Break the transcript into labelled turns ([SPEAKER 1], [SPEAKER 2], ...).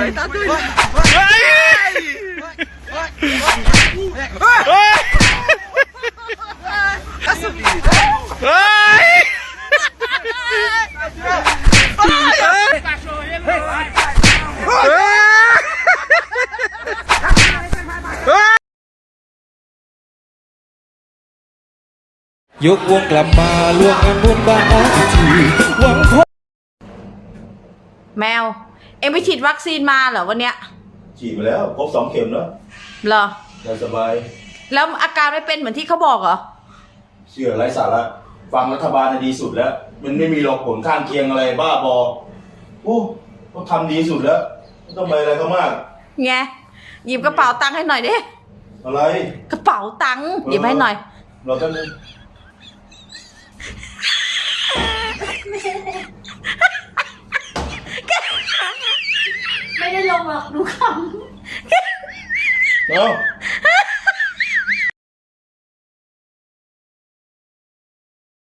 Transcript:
[SPEAKER 1] ตามด้วย
[SPEAKER 2] เฮ้ยเฮ้ย
[SPEAKER 3] ยกวงกลับมาล่วงงานบุญบ้านนาทีหวังพบ
[SPEAKER 4] แมวเอ็งไปฉีดวัคซีนมาเหรอวันเนี้ย
[SPEAKER 5] ฉีดไปแล้วครบ2 เข็มแล้ว
[SPEAKER 4] เหรอ
[SPEAKER 5] สบาย
[SPEAKER 4] แล้วอาการไม่เป็นเหมือนที่เขาบอกเหรอ
[SPEAKER 5] เชื่อไร้สาระฟังรัฐบาลดีสุดแล้วมันไม่มีหรอกผลข้างเคียงอะไรบ้าบอโอ้เขาทำดีสุดแล้วไม่ต้องไปอะไรเขามาก
[SPEAKER 4] ไงหยิบกระเป๋าตังค์ให้หน่อยดิ
[SPEAKER 5] อะไร
[SPEAKER 4] กระเป๋าตังค์หยิบให้หน่อย
[SPEAKER 5] เราจะนึง
[SPEAKER 6] ไม่ได้ลงหรอกดูคำ
[SPEAKER 5] เนาะ